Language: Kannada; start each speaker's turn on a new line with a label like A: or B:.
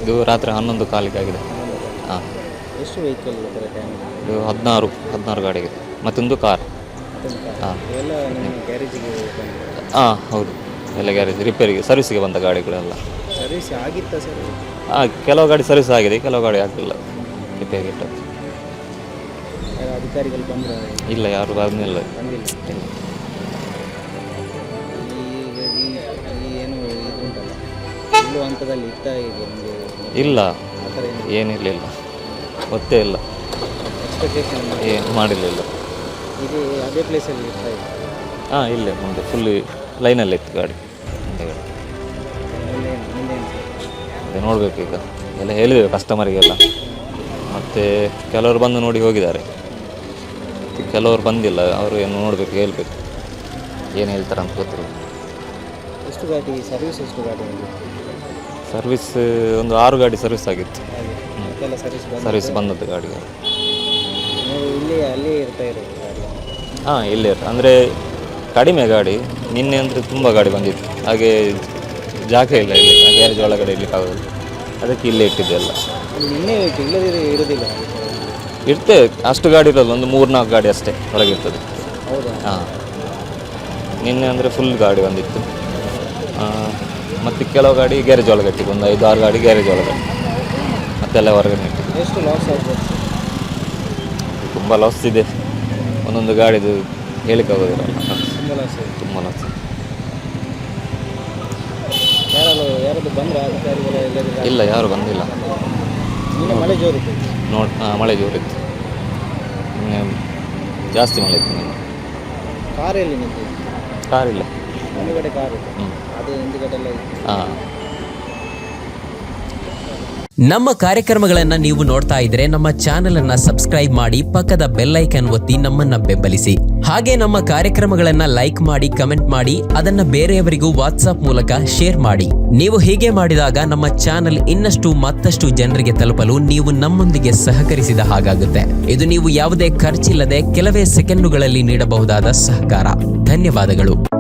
A: ಇದು ರಾತ್ರಿ 11 ಕಾಲಿಗೆ ಆಗಿದೆ. ಹಾಂ,
B: ಎಷ್ಟು ವೆಹಿಕಲ್
A: ಇದು 16 ಗಾಡಿ ಆಗಿದೆ. ಮತ್ತೊಂದು ಕಾರ್. ಹಾಂ
B: ಎಲ್ಲ ನಿಮ್ಮ ಗ್ಯಾರೇಜಿಗೆ
A: ಹಾಂ ಹೌದು, ಎಲ್ಲ ಗ್ಯಾರೇಜ್ ರಿಪೇರಿಗೆ ಸರ್ವಿಸ್ಗೆ ಬಂದ ಗಾಡಿಗಳೆಲ್ಲ.
B: ಸರ್ವಿಸ್ ಆಗಿತ್ತಾ ಸರ್?
A: ಹಾಂ, ಕೆಲವು ಗಾಡಿ ಸರ್ವಿಸ್ ಆಗಿದೆ, ಕೆಲವು ಗಾಡಿ ಆಗಲಿಲ್ಲ, ರಿಪೇರಿಗೆ ಇಟ್ಟದ್ದು.
B: ಅಧಿಕಾರಿಗಳು ಬಂದರೆ? ಇಲ್ಲ,
A: ಯಾರು ಬಂದಿಲ್ಲ.
B: ಬಂದಿಲ್ಲ. ಈ ಏನು ಇದು ಉಂಟಲ್ಲ, ಇಲ್ಲೂ ಹಂತದಲ್ಲಿ ಇತ್ತ ಇದೆ ನಿಮಗೆ?
A: ಇಲ್ಲ,
B: ಆ ಥರ
A: ಏನಿರಲಿಲ್ಲ, ಗೊತ್ತೇ ಇಲ್ಲ,
B: ಎಕ್ಸ್ಪೆಕ್ಟೇಷನ್
A: ಏನು ಮಾಡಿರಲಿಲ್ಲ.
B: ಇದು ಅದೇ ಪ್ಲೇಸಲ್ಲಿ ಇರ್ತಾ ಇದೆ?
A: ಹಾಂ, ಇಲ್ಲೇ ಮುಂದೆ ಫುಲ್ಲಿ ಲೈನಲ್ಲೇ ಇತ್ತು ಗಾಡಿ. ಅದೇ ನೋಡಬೇಕು ಈಗ, ಎಲ್ಲ ಹೇಳಿದ್ದೇವೆ ಕಸ್ಟಮರಿಗೆಲ್ಲ. ಮತ್ತು ಕೆಲವರು ಬಂದು ನೋಡಿ ಹೋಗಿದ್ದಾರೆ, ಕೆಲವರು ಬಂದಿಲ್ಲ. ಅವರು ಏನು ನೋಡಬೇಕು, ಹೇಳಬೇಕು, ಏನು ಹೇಳ್ತಾರೆ ಅಂತ ಗೊತ್ತಿಲ್ಲ.
B: ಎಷ್ಟು ಗಾಡಿ ಸರ್ವಿಸ್? ಎಷ್ಟು ಗಾಡಿ
A: ಸರ್ವಿಸ್ ಒಂದು 6 ಗಾಡಿ ಸರ್ವಿಸ್ ಆಗಿತ್ತು. ಸರ್ವಿಸ್ ಬಂದದ್ದು ಗಾಡಿಗೆ.
B: ಇಲ್ಲಿ ಅಲ್ಲೇ ಇರ್ತಾ ಇರೋದು ಗಾಡಿ?
A: ಹಾಂ, ಇಲ್ಲೇ ಇರ್ತದೆ. ಅಂದರೆ ಕಡಿಮೆ ಗಾಡಿ. ನಿನ್ನೆ ಅಂದರೆ ತುಂಬ ಗಾಡಿ ಬಂದಿತ್ತು, ಹಾಗೆ ಜಾಗ ಇಲ್ಲ ಇಲ್ಲಿ ಗ್ಯಾರೇಜ್ ಒಳಗಡೆ ಇರಲಿಕ್ಕಾಗೋದು, ಅದಕ್ಕೆ ಇಲ್ಲೇ ಇಟ್ಟಿದ್ದೆ ಎಲ್ಲ.
B: ನಿನ್ನೆ ಇಲ್ಲದೇ ಇರೋದಿಲ್ಲ?
A: ಇರ್ತೇವೆ, ಅಷ್ಟು ಗಾಡಿ ಇರೋದು ಒಂದು 3-4 ಗಾಡಿ ಅಷ್ಟೇ ಹೊರಗಿರ್ತದೆ.
B: ಹೌದಾ?
A: ಹಾಂ, ನಿನ್ನೆ ಅಂದರೆ ಫುಲ್ ಗಾಡಿ ಬಂದಿತ್ತು. ಮತ್ತು ಕೆಲವು ಗಾಡಿ ಗ್ಯಾರೇಜ್ ಒಳಗೆ ಇಟ್ಟಿದ್ದು, ಒಂದು 5-6 ಗಾಡಿ ಗ್ಯಾರೇಜ್ ಒಳಗಡೆ, ಮತ್ತೆಲ್ಲ ಹೊರಗಡೆ ಇಟ್ಟಿದ್ದು.
B: ಎಷ್ಟು ಲಾಸ್ ಆಗ್ಬೋದು?
A: ತುಂಬ ಲಾಸ್ ಇದೆ, ಒಂದೊಂದು ಗಾಡಿದು ಹೇಳಿಕ್ಕಾಗೋದಿಲ್ಲ.
B: ತುಂಬ ಲಾಸ್ ಇದೆ.
A: ತುಂಬ ಲಾಸ್.
B: ಯಾರಾದ್ರು ಬಂದರೆ ಅಧಿಕಾರಿಗಳು ಎಲ್ಲರಿಗೂ?
A: ಇಲ್ಲ, ಯಾರು ಬಂದಿಲ್ಲ.
B: ನಿನ್ನೆ ಮಳೆ ಜೋರಿತ್ತು?
A: ಮಳೆ ಜೋರಿತ್ತು, ನಿನ್ನೆ ಜಾಸ್ತಿ ಮಳೆ ಇತ್ತು. ನಿನ್ನೆ
B: ಕಾರಲ್ಲಿ ನಿಂತು?
A: ಕಾರಿಲ್ಲ,
B: ಮುಂದುಗಡೆ ಕಾರು, ಅದು ಹಿಂದುಗಡೆ ಎಲ್ಲ ಇತ್ತು.
A: ಹಾಂ.
C: ನಮ್ಮ ಕಾರ್ಯಕ್ರಮಗಳನ್ನು ನೀವು ನೋಡ್ತಾ ಇದ್ರೆ ನಮ್ಮ ಚಾನೆಲ್ ಅನ್ನ ಸಬ್ಸ್ಕ್ರೈಬ್ ಮಾಡಿ, ಪಕ್ಕದ ಬೆಲ್ ಐಕಾನ್ ಒತ್ತಿ ನಮ್ಮನ್ನ ಬೆಂಬಲಿಸಿ. ಹಾಗೆ ನಮ್ಮ ಕಾರ್ಯಕ್ರಮಗಳನ್ನ ಲೈಕ್ ಮಾಡಿ, ಕಮೆಂಟ್ ಮಾಡಿ, ಅದನ್ನ ಬೇರೆಯವರಿಗೂ ವಾಟ್ಸ್ಆಪ್ ಮೂಲಕ ಶೇರ್ ಮಾಡಿ. ನೀವು ಹೀಗೆ ಮಾಡಿದಾಗ ನಮ್ಮ ಚಾನೆಲ್ ಇನ್ನಷ್ಟು ಮತ್ತಷ್ಟು ಜನರಿಗೆ ತಲುಪಲು ನೀವು ನಮ್ಮೊಂದಿಗೆ ಸಹಕರಿಸಿದ ಹಾಗಾಗುತ್ತೆ. ಇದು ನೀವು ಯಾವುದೇ ಖರ್ಚಿಲ್ಲದೆ ಕೆಲವೇ ಸೆಕೆಂಡುಗಳಲ್ಲಿ ನೀಡಬಹುದಾದ ಸಹಕಾರ. ಧನ್ಯವಾದಗಳು.